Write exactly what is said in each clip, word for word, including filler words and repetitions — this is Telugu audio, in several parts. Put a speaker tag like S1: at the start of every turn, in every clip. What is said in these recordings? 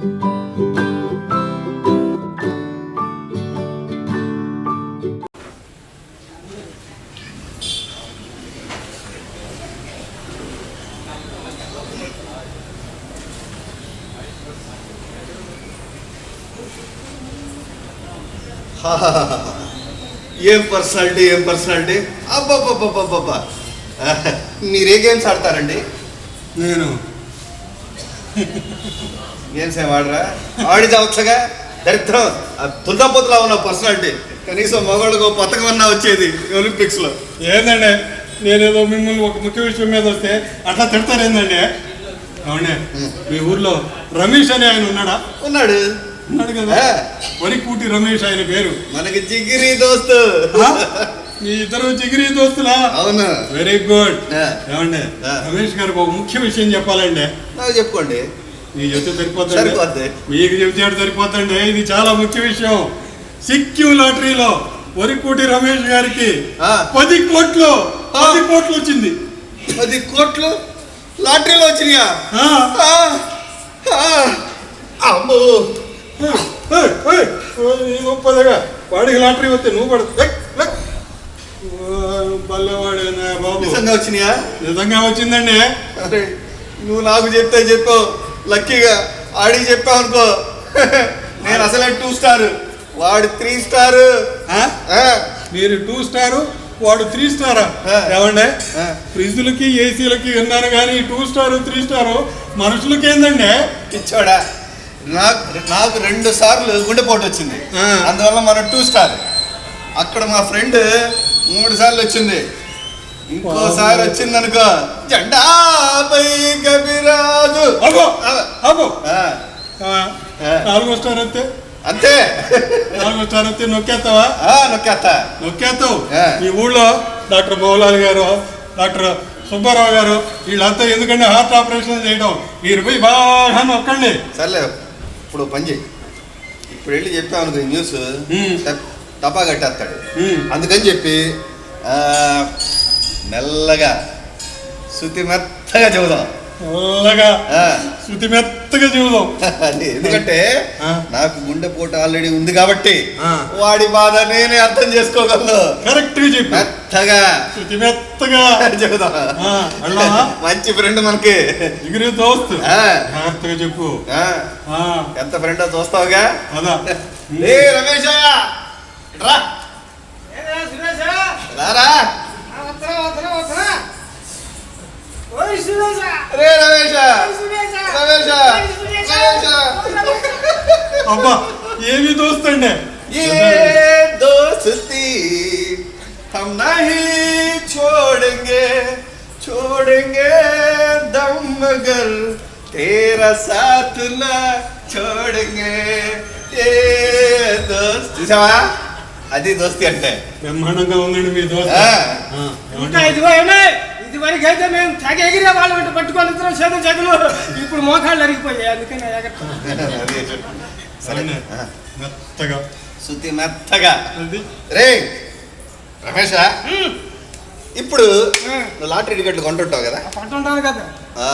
S1: ఏం పర్సనాలిటీ ఏం పర్సనాలిటీ అబ్బాబ్బాబ్బాబ్బా. మీరే గేమ్స్ ఆడతారండి?
S2: నేను
S1: గేమ్స్ ఏం ఆడరా? ఆడి చావచ్చుగా. దరిద్రం తుండపోతులా ఉన్న పర్సనాలిటీ. కనీసం మగవాళ్ళకు పథకం అన్నా వచ్చేది ఒలింపిక్స్లో.
S2: ఏందండి నేనేదో మిమ్మల్ని ఒక ముఖ్య విషయం మీద వస్తే అట్లా తిడతారేందండి? అవునే, మీ ఊర్లో రమేష్ అని ఆయన ఉన్నాడా?
S1: ఉన్నాడు
S2: ఉన్నాడు కదా, వరికూటి రమేష్ ఆయన పేరు.
S1: మనకి జిగిరి దోస్తు.
S2: మీ ఇద్దరు జిగిరి దోస్తులా?
S1: అవును.
S2: Very good. ఏమండి రమేష్ గారికి ఒక ముఖ్య విషయం చెప్పాలండి.
S1: నాకు చెప్పుకోండి.
S2: మీకు చెప్తే సరిపోతుంది, మీకు చెప్తే సరిపోతండి. ఇది చాలా ముఖ్య విషయం. సిక్కిం లాటరీలో వరికూటి రమేష్ గారికి పది కోట్లు పది కోట్లు వచ్చింది.
S1: పది కోట్లు లాటరీలో వచ్చినాయా? అమ్మో,
S2: గొప్పదిగా వాడికి లాటరీ వస్తే నువ్వు పడు బల్లవాడేనా బాబు?
S1: నిజంగా వచ్చినాయా?
S2: నిజంగా వచ్చిందండి.
S1: అరే నువ్వు నాకు చెప్తే చెప్పు, లక్కీగా ఆడికి చెప్పావు అనుకో. నేను అసలే టూ స్టార్, వాడు త్రీ స్టార్.
S2: మీరు టూ స్టారు, వాడు త్రీ స్టారా? ఏమండే ఫ్రిడ్జ్లకి ఏసీలకి విన్నాను కానీ టూ స్టారు త్రీ స్టారు మనుషులకి ఏందండి?
S1: ఇచ్చాడా? నాకు నాకు రెండు సార్లు గుండెపోటు వచ్చింది, అందువల్ల మనం టూ స్టార్. అక్కడ మా ఫ్రెండ్ మూడు సార్లు వచ్చింది, ఇంకోసారి వచ్చింది అనుకో జెండా పై కవిరాజు.
S2: నాలుగో స్టార్ అంతే
S1: అంతే.
S2: నాలుగో స్టార్ అంతే నొక్కేస్తావా?
S1: నొక్కేస్తా.
S2: నొక్కేస్తావు. ఈ ఊళ్ళో డాక్టర్ మౌలాలి గారు, డాక్టర్ సుబ్బారావు గారు వీళ్ళంతా ఎందుకంటే హార్ట్ ఆపరేషన్ చేయడం, మీరు పోయి బాగా నొక్కండి.
S1: సర్లే, ఇప్పుడు పని చేయి. ఇప్పుడు వెళ్ళి చెప్పావు అనుకో న్యూస్ టపా కట్టేస్తాడు. అందుకని చెప్పి మెల్లగా శృతి మెత్తగా చెబుదాం.
S2: మెల్లగా శృతి మెత్తగా చెబుదాం.
S1: ఎందుకంటే నాకు గుండెపోటు ఆల్రెడీ ఉంది కాబట్టి వాడి బాధ నేనే అర్థం చేసుకోగలను.
S2: కరెక్ట్ గా చెప్పు.
S1: మెత్తగా
S2: శృతి మెత్తగా చెబుదాం.
S1: మంచి ఫ్రెండ్ మనకి,
S2: జిగిరి దోస్తు. మెత్తగా చెప్పు.
S1: ఎంత ఫ్రెండ్ చూస్తావుగా.
S2: అదా
S1: ఏ రమేష్ రా రారా. రే రమేష్ రమేష్
S2: అబ్బా ఏమి దోస్తండి.
S1: ఏ దోస్తి हम नहीं छोड़ेंगे छोड़ेंगे दम मगर तेरा साथ ना छोड़ेंगे ఏ దోస్తి. చూసావా, అది దోస్తి అంటే.
S2: బ్రహ్మాండంగా ఉందండి మీ దోస్తి.
S3: ఇది వరకు అయితే మేము తెగ ఎగిరే వాళ్ళు వెంట పట్టుకొని ఇద్దరం చేతులు చేతులు, ఇప్పుడు మోకాళ్ళు అరిగిపోయాయి. అందుకని
S2: మెత్తగా
S1: శృతి మెత్తగా. రే రమేష్, ఇప్పుడు లాటరీ టికెట్లు కొంటుంటావు కదా?
S3: కొంటుంటాను కదా.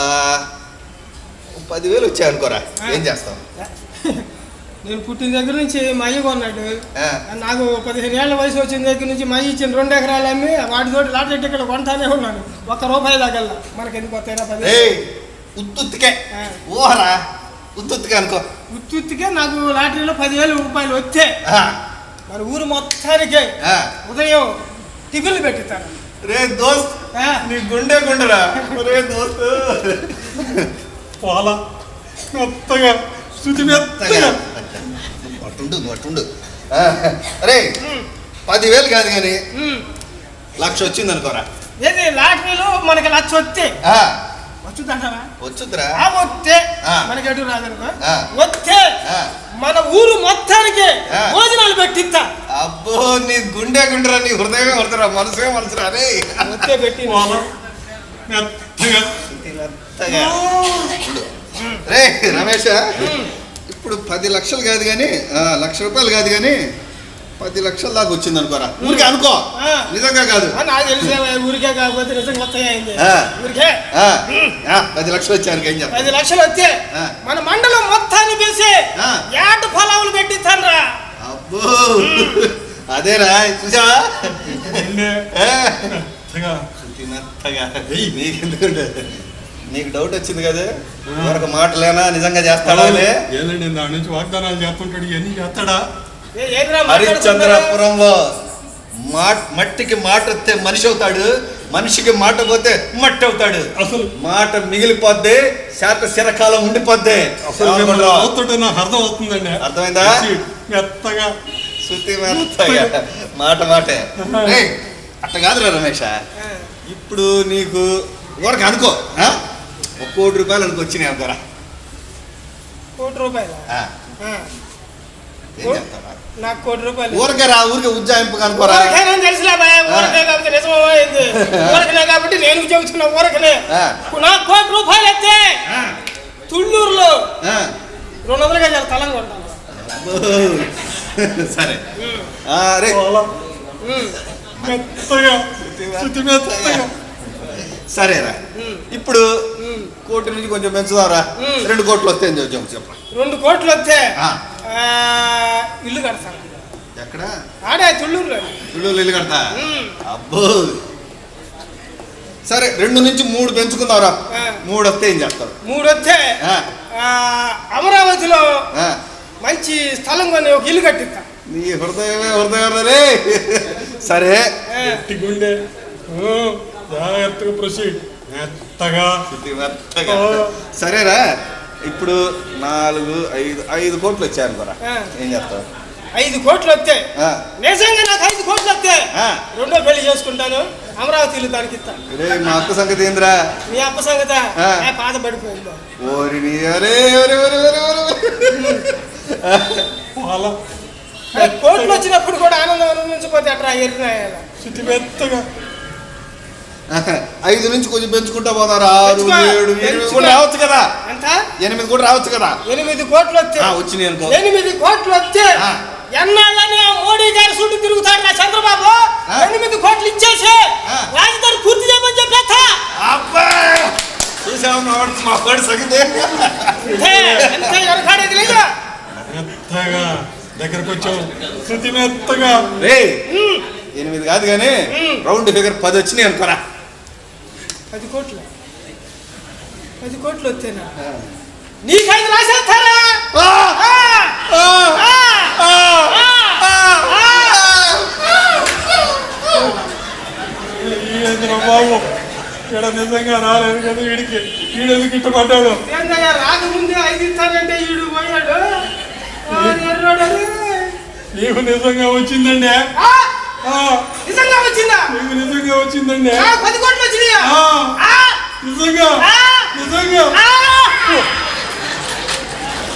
S1: పదివేలు వచ్చాయి అనుకోరా, ఏం చేస్తావు?
S3: నేను పుట్టిన దగ్గర నుంచి మా అయ్య కొన్నాడు. నాకు పదిహేను ఏళ్ళ వయసు వచ్చిన దగ్గర నుంచి మా అయ్య ఇచ్చిన రెండు ఎకరాలు అమ్మి వాటితోటి లాటరీ టికెట్ కొంటానే ఉన్నాను. ఒక్క రూపాయి దాకల్లా మనకి ఎందుకు వస్తాయినా పది.
S1: ఉత్తుత్తికే ఓహరా, ఉత్తుత్తికే అనుకో.
S3: ఉత్తుత్తికే నాకు లాటరీలో పదివేల రూపాయలు వచ్చే మన ఊరు మొత్తానికే ఉదయం టిఫిన్లు పెట్టిస్తాను.
S1: రే దోస్త్, నీ గుండె గుండెరా. రే దోస్త్
S2: పాలా మెత్తగా శృతి మెత్తగా
S1: అట్టుండు అట్టుండు. అరే పదివేలు కాదు కానీ లక్ష వచ్చింది అనుకోరా.
S3: ఏది లాటరీలో మనకి లక్ష వస్తే వచ్చుదంటారా?
S1: వచ్చుద్రా.
S3: వస్తే మనకి ఎటు రాదనుకో, వస్తే మన ఊరు మొత్తానికి భోజనాలు పెట్టిస్తా.
S1: అబ్బో నీ గుండె గుండెరా, నీ హృదయమే హృదయరా, మనసుగా మనసురా. అరే
S3: వస్తే పెట్టి
S1: రే రమేష్, ఇప్పుడు పది లక్షలు కాదు కానీ లక్ష రూపాయలు కాదు కానీ పది లక్షల దాకా వచ్చింది అనుకోరా. ఊరికే అనుకో, నిజంగా కాదు.
S3: నాకు తెలిసే ఊరికే కాకపోతే నిజంగా వస్తాయి. ఊరికే
S1: పది లక్షలు వచ్చాను.
S3: పది లక్షలు వస్తే మన మండలం మొత్తాన్ని పిలిచి
S1: అదేరా చూసావా
S2: మెత్తగా.
S1: శృతి మెత్తగా నీకెందుకంటే నీకు డౌట్ వచ్చింది కదా మరొక మాటలేనా నిజంగా చేస్తాడా
S2: ఏంటండి దాని నుంచి వాగ్దానాలు చేస్తుంటాడు ఇవన్నీ చేస్తాడా?
S1: హరిశ్చంద్రపురంలో మా మట్టికి మాట వస్తే మనిషి అవుతాడు, మనిషికి మాట పోతే మట్టి అవుతాడు.
S2: అసలు
S1: మాట మిగిలిపోద్ది, శాత శిరకాలం ఉండిపోద్ది.
S2: అసలు నాకు అర్థం అవుతుందండి.
S1: అర్థమైందా?
S2: మెత్తగా
S1: శృతి మెత్తగా మాట మాటే. అట్ట కాదురా రమేష, ఇప్పుడు నీకు ఊరక అనుకో ఒక కోటి రూపాయలు అనుకో వచ్చినాయి అంటారా?
S3: కోటి రూపాయలు
S1: ఏం చెప్తారా?
S3: నాకు కోటి రూపాయలు
S1: ఊరకే రా, ఊరికే ఉజ్జాయింపు అనుకోరా.
S3: తెలుసులే ఊరకే కాబట్టి నిజమైంది, ఊరకనే కాబట్టి నేను చెబుతున్నా ఊరకనే. నాకు కోటి రూపాయలు అయితే తుళ్ళూరులో రెండు వందలుగా చాలా తలంగా ఉంటాను.
S1: సరే అరే
S2: మెత్తగా శృతి మెత్తగా.
S1: సరేరా, ఇప్పుడు కోటి నుంచి కొంచెం పెంచుదాంరా. రెండు కోట్లు వస్తే చెప్ప.
S3: రెండు కోట్లు వస్తే ఇల్లు కడతాను.
S1: ఎక్కడ?
S3: ఆడే తుళ్ళూరులో.
S1: తుళ్ళూరు ఇల్లు కడతా? అబ్బో సరే, రెండు నుంచి మూడు పెంచుకుందాంరా. మూడు వస్తే ఏం చేస్తావు?
S3: మూడు వస్తే అమరావతిలో మంచి స్థలం కొని ఒక ఇల్లు కట్టిస్తా.
S1: నీ హృదయమే హృదయం రే. సరే
S2: గుండె జాగ్రత్తగా ప్రొసీడ్. మెత్తగా
S1: మెత్తగా. సరేరా, ఇప్పుడు నాలుగు ఐదు ఐదు కోట్లు వచ్చాయను కూడా ఏం చేస్తావు?
S3: ఐదు కోట్లు వస్తే నిజంగా నాకు ఐదు కోట్లు వస్తే రెండో పెళ్లి చేసుకుంటాను, అమరావతి ఇల్లు దానికి ఇస్తాను.
S1: రే మా అక్క సంగతి ఏందిరా?
S3: మీ అప్ప సంగత పాత పడిపోయింది.
S1: ఓరి నీ అరే
S3: కోట్లు వచ్చినప్పుడు కూడా ఆనందం అనుభవించకపోతే అట్లా ఎరిగినాయాల.
S2: శృతి మెత్తగా.
S1: ఐదు నుంచి కొంచెం పెంచుకుంటా పోతారు. ఆరు ఏడు ఎనిమిది కూడా రావచ్చు కదా.
S3: ఎంత?
S1: ఎనిమిది కూడా రావచ్చు కదా.
S3: ఎనిమిది కోట్లు వస్తే
S1: వచ్చినాయి అనుకో.
S3: ఎనిమిది కోట్లు వస్తే ఎన్నాళ్ళని మోడీ గారి చుట్టూ తిరుగుతాడు నా చంద్రబాబు. ఎనిమిది కోట్లు ఇచ్చేసి రాజధాని పూర్తి చేయమని చెప్పేస్తా.
S1: చూసావు మా వాడి సంగతి.
S3: వెనకాడేది లేదా?
S2: మెత్తగా దగ్గరకు వచ్చావు. శృతి మెత్తగా.
S1: రే ఎనిమిది కాదు కానీ రౌండ్ ఫిగర్ పది వచ్చినాయి అనుకోరా.
S3: పది కోట్లు పది కోట్లు వస్తేనా నీకైదు రాసేస్తారా?
S2: బాబు ఇక్కడ నిజంగా రాలేదు కదా వీడికి. వీడు ఎందుకు ఇష్టపడ్డాడు?
S3: రాకముందే ఐదు ఇస్తానంటే వీడు పోయాడు.
S2: నీకు నిజంగా వచ్చిందండి.
S3: నిజంగా వచ్చిందా?
S2: నీకు నిజంగా వచ్చిందండి.
S3: పది కోట్లు వచ్చినాయా?
S2: నిజంగా నిజంగా